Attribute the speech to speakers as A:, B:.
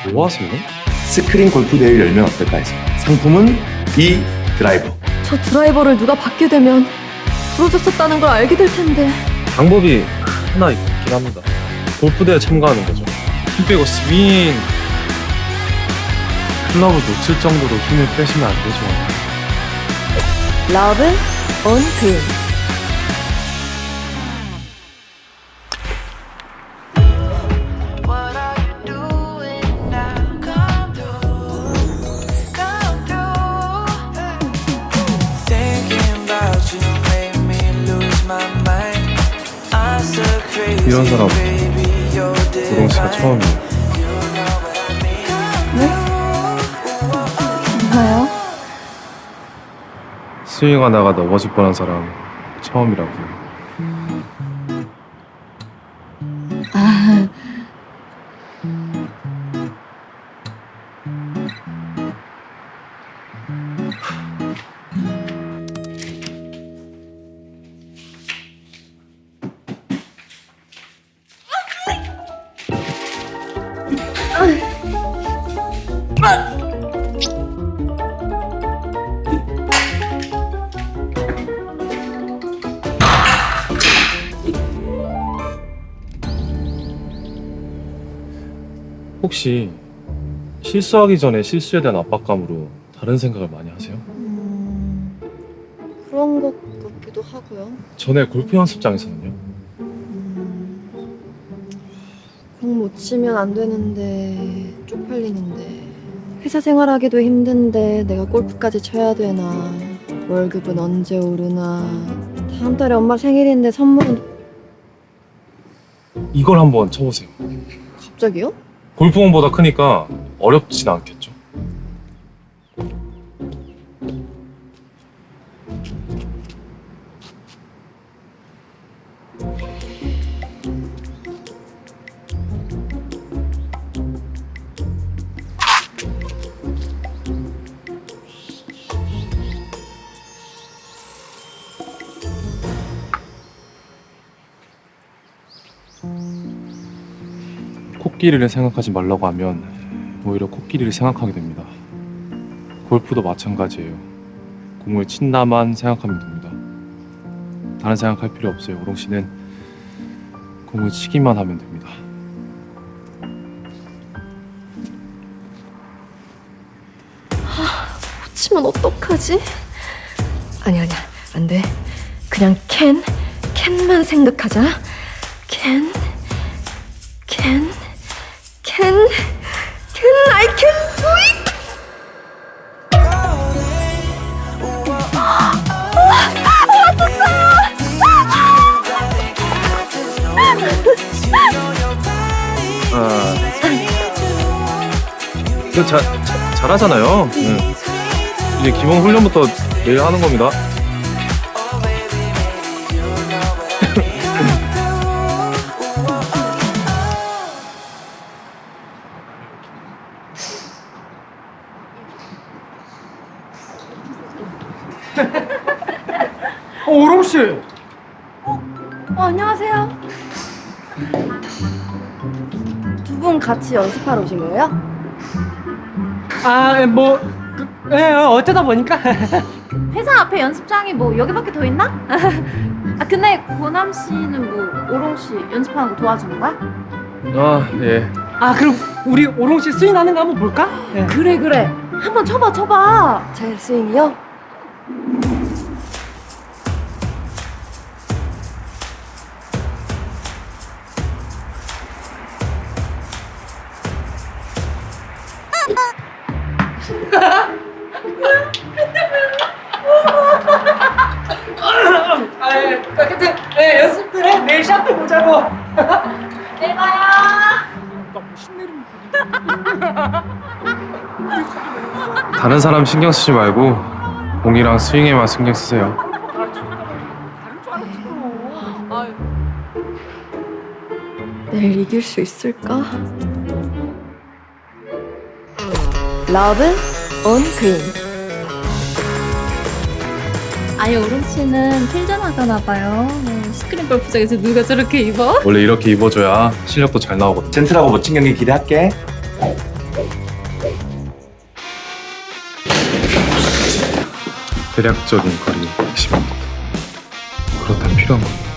A: 뭐 하세요?
B: 스크린 골프 대회를 열면 어떨까 해서. 상품은 이 드라이버.
C: 저 드라이버를 누가 받게 되면 부러졌었다는 걸 알게 될 텐데.
A: 방법이 하나 있긴 합니다. 골프대회 참가하는 거죠. 힘 빼고 스윙. 클럽을 놓칠 정도로 힘을 빼시면 안 되죠.
C: 러브 온 그린.
D: What are you doing now? Come through, come through. Thinking about you made me lose my mind. I'm so crazy,
A: 이런 사람
D: baby, you're
A: 우롱 씨가
D: divine.
A: 처음이에요.
D: You know what I mean.
C: 뭐요?
A: 스윙하다가 넘어질 뻔한 사람 처음이라고요.
C: 아,
A: 혹시 실수하기 전에 실수에 대한 압박감으로 다른 생각을 많이 하세요?
C: 그런 것 같기도 하고요.
A: 전에 골프 연습장에서는요?
C: 공 못 치면 안 되는데 쪽팔리는데 회사 생활하기도 힘든데 내가 골프까지 쳐야 되나 월급은 언제 오르나 다음 달에 엄마 생일인데 선물은
A: 이걸 한번 쳐보세요.
C: 갑자기요?
A: 골프공보다 크니까 어렵진 않겠죠? 코끼리를 생각하지 말라고 하면 오히려 코끼리를 생각하게 됩니다. 골프도 마찬가지예요. 공을 친다만 생각하면 됩니다. 다른 생각할 필요 없어요. 오롱 씨는 공을 치기만 하면 됩니다.
C: 못 치면 어떡하지? 아니야 안 돼. 그냥 캔만 생각하자. 캔 I can do it.
A: 이거 잘하잖아요. 이제 기본 훈련부터 내일 하는 겁니다.
E: 오롱 씨.
C: 안녕하세요. 두 분 같이 연습하러 오신 거예요?
E: 아, 뭐, 어쩌다 보니까.
F: 회사 앞에 연습장이 뭐 여기밖에 더 있나? 아 근데 고남 씨는 뭐 오롱 씨 연습하는 거 도와주는 거야?
A: 아, 예.
E: 아, 그럼 우리 오롱 씨 스윙하는 거 한번 볼까? 예.
F: 그래 한번 쳐봐
C: 제 스윙이요?
E: 아, 예. 하여튼, 연습들 해. 내일 샷도 보자고.
F: 내일 봐요.
A: 다른 사람 신경 쓰지 말고 공이랑 스윙에만 신경 쓰세요.
C: 내일 이길 수 있을까? 러브 온 그린.
F: 아니 오롱 씨는 필전하잖아 봐요. 스크린 골프장에서 누가 저렇게 입어?
A: 원래 이렇게 입어줘야 실력도 잘 나오거든.
B: 젠틀하고 멋진 경기 기대할게.
A: 대략적인 거리 110m. 그렇다면 필요한 겁니다.